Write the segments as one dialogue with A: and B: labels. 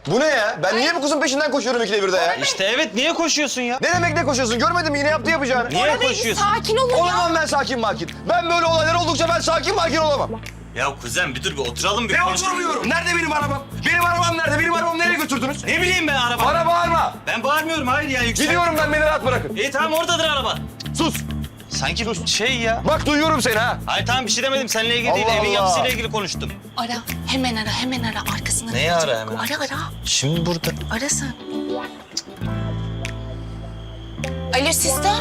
A: Bu ne ya? Ben niye bu kızın peşinden koşuyorum ikide birde ya?
B: İşte evet, niye koşuyorsun ya?
A: Ne demek ne koşuyorsun? Görmedin mi yine yaptı yapacağını?
B: Niye koşuyorsun?
C: Sakin olun ya.
A: Olamam ben sakin makin. Ben böyle olaylar oldukça ben sakin makin olamam.
B: Ya kuzen bir dur, bir oturalım bir
A: Ne
B: konuşalım.
A: oturmuyorum? Nerede benim arabam? Benim arabam nerede? Benim arabamı nereye götürdünüz?
B: Ne bileyim ben araba.
A: Bana bağırma.
B: Ben bağırmıyorum, hayır ya, yüksel.
A: Gidiyorum ben, beni rahat bırakın.
B: İyi tamam, oradadır araba.
A: Sus.
B: Sanki şey ya.
A: Bak duyuyorum seni ha.
B: Hayır tamam, bir şey demedim, seninle ilgili değil,
A: Allah
B: evin
A: Allah.
B: yapısıyla ilgili konuştum.
C: Ara, hemen ara, hemen ara. Arkasından
B: Neyi
C: gelecek.
B: ara hemen?
C: Ara.
B: Şimdi burada.
C: Ara sen. Alo Sista.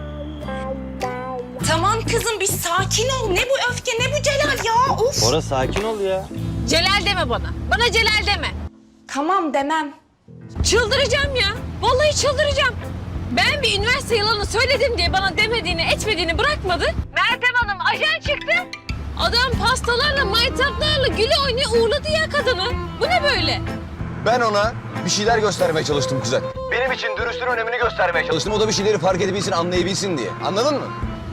C: Tamam kızım, bir sakin ol. Ne bu öfke, ne bu Celal ya? Of.
B: Bora sakin ol ya.
D: Celal deme bana. Bana Celal deme.
C: Tamam demem.
D: Çıldıracağım ya. Vallahi çıldıracağım. Ben bir üniversite yalanı söyledim diye bana demediğini, etmediğini bırakmadı. Meltem Hanım ajan çıktı. Adam pastalarla, maytaplarla güle oynaya uğurladı ya kadını. Bu ne böyle?
A: Ben ona bir şeyler göstermeye çalıştım kuzen. Benim için dürüstlüğün önemini göstermeye çalıştım. O da bir şeyleri fark edebilsin, anlayabilsin diye. Anladın mı?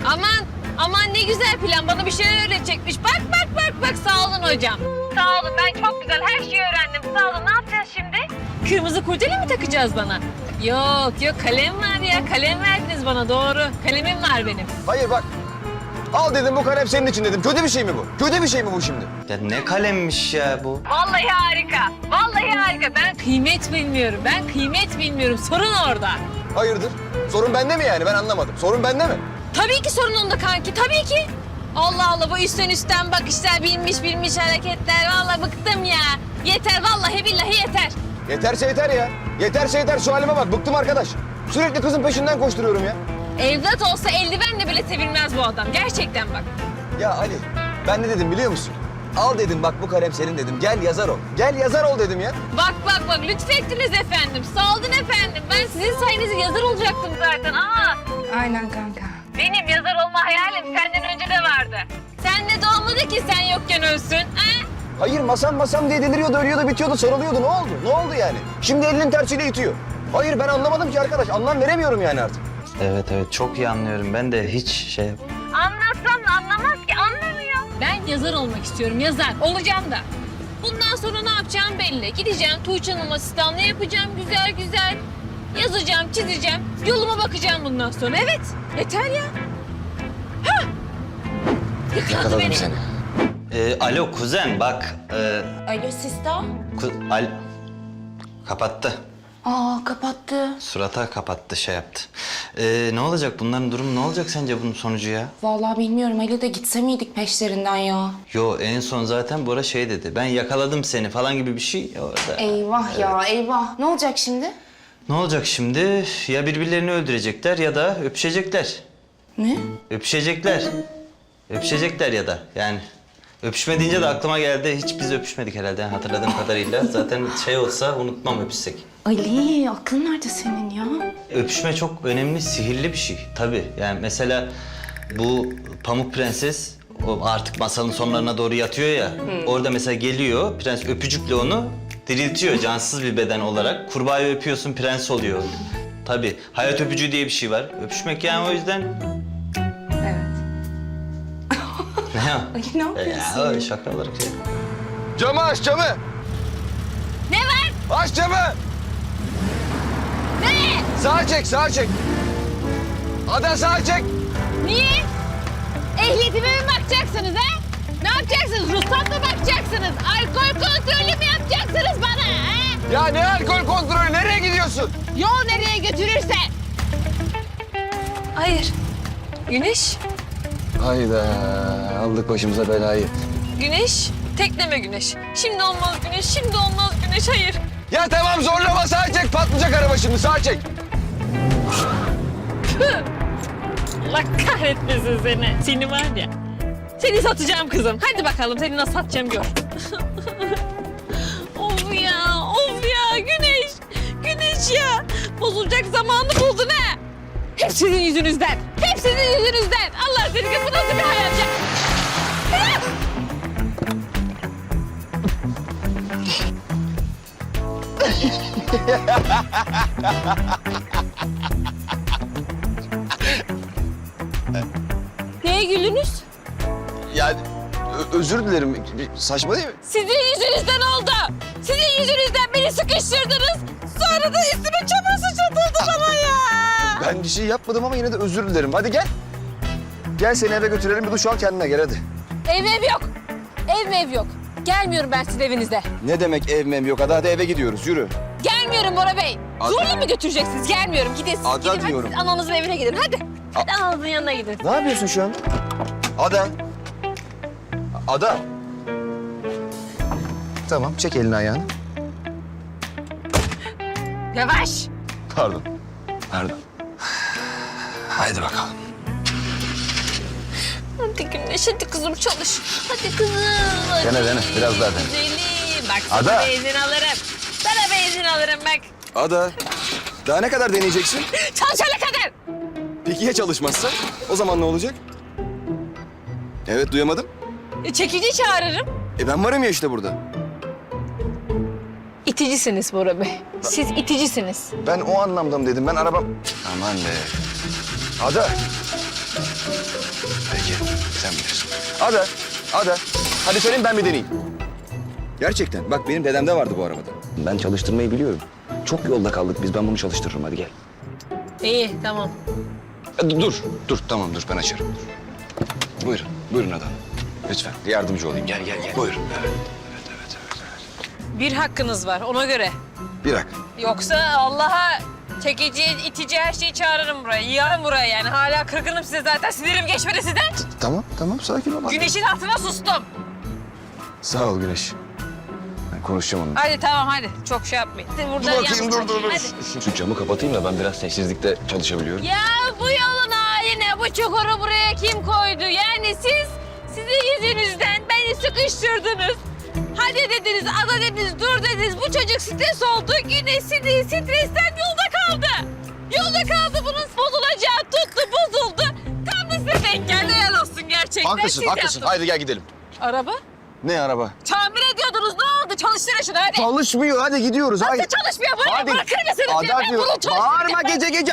D: Aman ne güzel plan. Bana bir şeyler öğretecekmiş. Bak sağ olun hocam. Sağ olun, ben çok güzel her şeyi öğrendim. Sağ olun, ne yapacağız şimdi? Kırmızı kurdele mi takacağız bana? Yok kalem var ya. Kalem verdiniz bana, doğru. Kalemim var benim.
A: Hayır bak. Al dedim, bu kalem senin için dedim. Kötü bir şey mi bu? Kötü bir şey mi bu şimdi?
B: Ya ne kalemmiş ya bu.
D: Vallahi harika. Ben kıymet bilmiyorum. Sorun orada.
A: Hayırdır? Sorun bende mi yani? Ben anlamadım. Sorun bende mi?
D: Tabii ki sorun onda kanki, tabii ki. Allah bu üstten bakışlar, bilmiş hareketler. Vallahi bıktım ya. Yeter, vallahi billahi yeter.
A: Yeterse yeter ya. Yeterse yeter. Şu halime bak. Bıktım arkadaş. Sürekli kızın peşinden koşturuyorum ya.
D: Evlat olsa eldivenle bile sevilmez bu adam. Gerçekten bak.
A: Ya Ali, ben ne dedim biliyor musun? Al dedim, bak bu kalem senin dedim. Gel yazar ol. Gel yazar ol dedim ya.
D: Bak lütfettiniz efendim. Sağ olun efendim. Ben sizin sayenizde yazar olacaktım zaten.
C: Aynen kanka.
D: Benim yazar olma hayalim senden önce de vardı. Sen de doğmadı ki sen yokken ölsün. Ha?
A: Hayır, masam diye deliriyordu, ölüyordu, bitiyordu, sarılıyordu. Ne oldu? Ne oldu yani? Şimdi elinin tersiyle itiyor. Hayır, ben anlamadım ki arkadaş. Anlam veremiyorum yani artık.
B: Evet çok iyi anlıyorum, ben de hiç şey...
D: Anlatsam da anlamaz ki, anlamıyor. Ben yazar olmak istiyorum, yazar. Olacağım da. Bundan sonra ne yapacağım belli. Gideceğim Tuğçe Hanım asistanlığı yapacağım güzel. Yazacağım, çizeceğim. Yoluma bakacağım bundan sonra. Evet, yeter ya. Hah! Yakaladı beni.
A: seni.
B: Alo kuzen bak.
C: Alo Sista.
B: Kapattı.
C: Kapattı.
B: Surata kapattı, şey yaptı. Ne olacak bunların durumu, ne olacak sence bunun sonucu ya?
C: Vallahi bilmiyorum. Ali de gitse miydik peşlerinden ya?
B: Yo, en son zaten Bora şey dedi. Ben yakaladım seni falan gibi bir şey orada.
C: Eyvah ya eyvah. Ne olacak şimdi?
B: Ne olacak şimdi? Ya birbirlerini öldürecekler ya da öpüşecekler.
C: Ne?
B: Öpüşecekler ya da yani. Öpüşme deyince de aklıma geldi. Hiç biz öpüşmedik herhalde hatırladığım kadarıyla. Zaten şey olsa unutmam, öpüşsek.
C: Ali aklın nerede senin ya?
B: Öpüşme çok önemli, sihirli bir şey tabii. Yani mesela bu Pamuk Prenses o artık masalın sonlarına doğru yatıyor ya. Orada mesela geliyor, prens öpücükle onu diriltiyor cansız bir beden olarak. Kurbağayı öpüyorsun, prens oluyor. Tabii hayat öpücüğü diye bir şey var. Öpüşmek yani o yüzden...
C: Evet.
B: Ne ya?
C: Ali ne yapıyorsun?
B: Ya öyle şaka olarak şey.
A: Camı aç, camı.
D: Ne var?
A: Aç camı.
D: Ne?
A: Sağa çek. Ada sağa çek.
D: Niye? Ehliyetime mi bakacaksınız ha? Ne yapacaksınız? Ruhsat mı bakacaksınız? Alkol kontrolü mü yapacaksınız bana ha?
A: Ya ne alkol kontrolü? Nereye gidiyorsun?
D: Yol nereye götürürse. Hayır. Güneş.
A: Hayda, aldık başımıza belayı.
D: Güneş. Tekleme Güneş. Şimdi olmaz Güneş. Hayır.
A: Ya tamam zorlama, sağa çek. Patlayacak araba şimdi, sağa çek.
D: Allah kahretmesin seni. Seni var ya. Seni satacağım kızım. Hadi bakalım seni nasıl satacağım gör. Of ya Güneş ya. Bozulacak zamanı buldun ha. Hep sizin yüzünüzden. Allah seni, bu nasıl bir hayat ya? Ah! Neye gülünüz?
A: Yani özür dilerim. Saçma değil mi?
D: Sizin yüzünüzden oldu. Sizin yüzünüzden beni sıkıştırdınız. Sonra da üstüme çamur sıçratıldı bana ya.
A: Ben bir şey yapmadım ama yine de özür dilerim. Hadi gel. Gel seni eve götürelim, bir duş al kendine gel hadi.
D: Ev yok. Ev yok. Gelmiyorum ben sizin evinize.
A: Ne demek ev mem yok? Hadi eve gidiyoruz, yürü.
D: Gelmiyorum Bora Bey.
A: Ada.
D: Zorla mı götüreceksiniz? Gelmiyorum. Gidin.
A: Ada
D: Gidin. Hadi
A: diyorum.
D: siz ananızın evine gidin. Hadi. Hadi ananızın yanına gidin.
A: Ne yapıyorsun şu an? Ada. Ada. Tamam, çek elini ayağını.
D: Yavaş.
A: Pardon. Pardon. Haydi bakalım.
D: Hadi Güneş, hadi kızım çalış. Hadi kızım. Hadi.
A: Dene, biraz daha dene.
D: Güzelim. Bak sana
A: Ada.
D: benzin alırım. Sana benzin alırım bak.
A: Ada. Daha ne kadar deneyeceksin?
D: Çalışana kadar.
A: Peki ya çalışmazsa? O zaman ne olacak? Evet, duyamadım.
D: Çekici çağırırım.
A: Ben varım ya işte burada.
D: İticisiniz Bora Bey. Siz iticisiniz.
A: Ben o anlamda mı dedim? Ben arabam... Aman be. Ada. Peki, sen bilirsin. Ada. Hadi söyleyeyim, ben bir deneyeyim. Gerçekten. Bak benim dedemde vardı bu arabada. Ben çalıştırmayı biliyorum. Çok yolda kaldık biz. Ben bunu çalıştırırım. Hadi gel.
D: İyi, tamam.
A: Dur. Tamam dur. Ben açarım. Dur. Buyurun Ada. Lütfen yardımcı olayım. Gel. Buyurun. Evet.
D: Bir hakkınız var ona göre.
A: Bir hak.
D: Yoksa Allah'a çekici, itici her şeyi çağırırım buraya. Yığarım buraya yani. Hala kırgınım size zaten. Sinirim geçmedi sizden.
A: Tamam. Sakin ol.
D: Güneşin hatırına sustum.
A: Sağ ol Güneş. Ben konuşacağım onunla.
D: Hadi tamam hadi. Çok şey yapmayın. Burada dur. Hadi.
A: Şu camı kapatayım da ben biraz sessizlikte çalışabiliyorum.
D: Ya bu yolun haline, bu çukuru buraya kim koydu? Yani sizin yüzünüzden beni sıkıştırdınız. Hadi dediniz, Ada dediniz, dur dediniz. Bu çocuk stres oldu. Güneş stresten yolda kaldı. Bunun bozulacağı tuttu, bozuldu. Tam da size denk geldi. Helal olsun gerçekten.
A: Haklısın.
D: Siz yaptınız.
A: Haydi gel gidelim.
D: Araba?
A: Ne araba?
D: Tamir ediyordunuz. Ne oldu? Çalıştırın şunu hadi.
A: Çalışmıyor. Hadi gidiyoruz.
D: Nasıl
A: Haydi.
D: çalışmıyor? Böyle
A: Hadi.
D: bırakır mısınız?
A: Ada
D: Ben
A: diyor.
D: bunu çalıştıracağım.
A: Bağırma gece.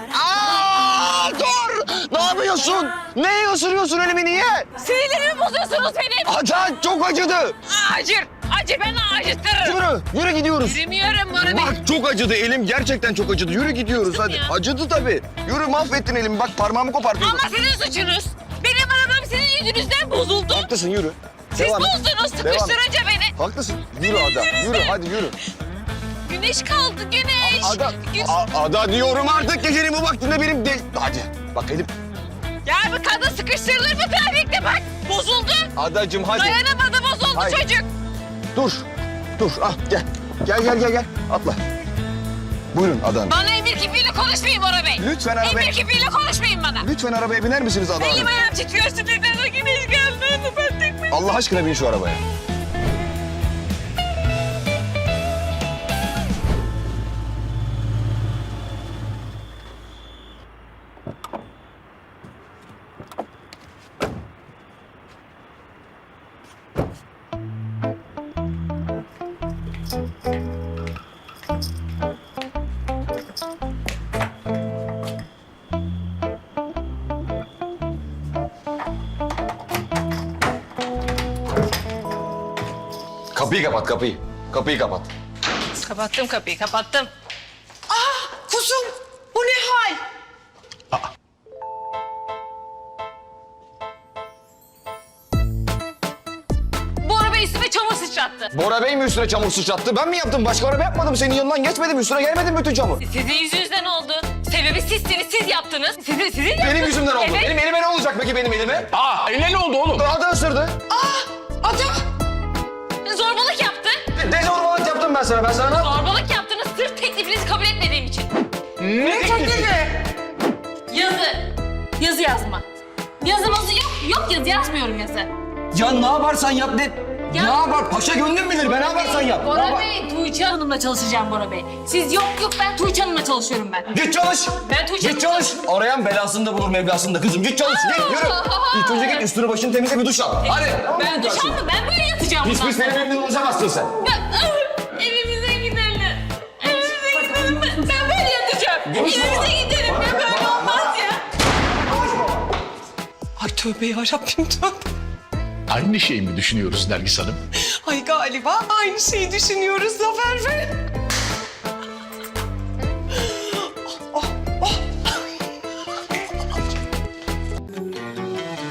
A: Dur. Ne yapıyorsun? Neye ısırıyorsun elimi niye?
D: Sinirlerimi bozuyorsunuz benim.
A: Ada çok acıdı.
D: Acı ben acıtırım.
A: Yürü gidiyoruz.
D: Yürümüyorum Bora Bey.
A: Bak çok acıdı elim gerçekten çok acıdı. Yürü gidiyoruz hadi.
D: ya.
A: Acıdı tabii. Yürü mahvettin elimi. Bak parmağımı kopartıyordun.
D: Ama sizin suçunuz. Benim arabam sizin yüzünüzden bozuldu.
A: Haklısın yürü.
D: Siz
A: Devam et.
D: bozdunuz
A: Devam et.
D: sıkıştırınca beni.
A: Haklısın. Yürü Ada. Yürü hadi yürü.
D: Güneş kaldı güneş.
A: Ada diyorum artık gecenin bu vaktinde benim de... Hadi bak elim.
D: Ya bu kadın sıkıştırılır mı trafikte bak. Bozuldu.
A: Adacığım hadi.
D: Dayanamadı bozuldu
A: Hayır.
D: çocuk.
A: Dur ah gel. Gel atla. Buyurun Ada Hanım.
D: Bana emir kipiyle konuşmayın Bora Bey.
A: Lütfen arabaya...
D: Emir kipiyle konuşmayın bana.
A: Lütfen arabaya biner misiniz Ada Hanım?
D: Elim ayağım titriyor sinirden o güneş geldi. Ben tek mi?
A: Allah aşkına bin şu arabaya. Kapıyı kapat kapıyı. Kapıyı kapat.
D: Kapattım kapıyı kapattım.
C: Kuzum bu ne hal?
D: Bora Bey üstüme çamur sıçrattı.
A: Bora Bey mi üstüne çamur sıçrattı? Ben mi yaptım? Başka araba yapmadım. Senin yanından geçmedim. Üstüne gelmedim bütün çamur.
D: Sizin yüzünüzden oldu. Sebebi sizsiniz, siz yaptınız. Sizin yaptınız.
A: Benim yüzümden oldu.
D: Evet.
A: Benim elime ne olacak peki benim elime?
E: Eline ne oldu oğlum?
A: Ada ısırdı.
C: Ada.
D: Zorbalık yaptı.
A: Dezorbalık yaptım ben sana. Ben sana ne yaptım?
D: Zorbalık yaptınız sırf teklifinizi kabul etmediğim için.
C: Ne teklifi?
D: Yazı yazma. Yazımızı yok yazı yazmıyorum yazı.
A: Ya ne yaparsan yap ne?
D: Ya-
A: Ne yapar? Paşa gönlüm bilir. Ben ne yaparsan yap. Ne
D: Bora
A: yapar-
D: Bey, Tuğçe Hanım'la çalışacağım Bora Bey. Siz yok ben Tuğçe Hanım'la çalışıyorum ben.
A: Git çalış.
D: Ben Tuğçe
A: Git çalış. Arayan belasını da bulur mevlasını da kızım. Git çalış. Git yürü. İlk önce git üstünü başını temizle bir duş al. Hadi.
D: Ben duş aldım, ben böyle yatacağım
A: Pis
D: bundan
A: pis
D: sonra.
A: benim evimden uzamazsın sen.
D: Evimize gidelim. Evimize gidelim. Ben böyle yatacağım.
A: Konuşma.
D: Evimize gidelim. Ya böyle olmaz ya.
C: Ay tövbe yarabbim tövbe.
E: Aynı şeyi mi düşünüyoruz Nergis Hanım?
C: Ay galiba.
E: Galiba aynı şeyi düşünüyoruz Zafer Bey.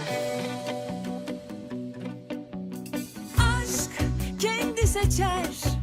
F: aşk kendi seçer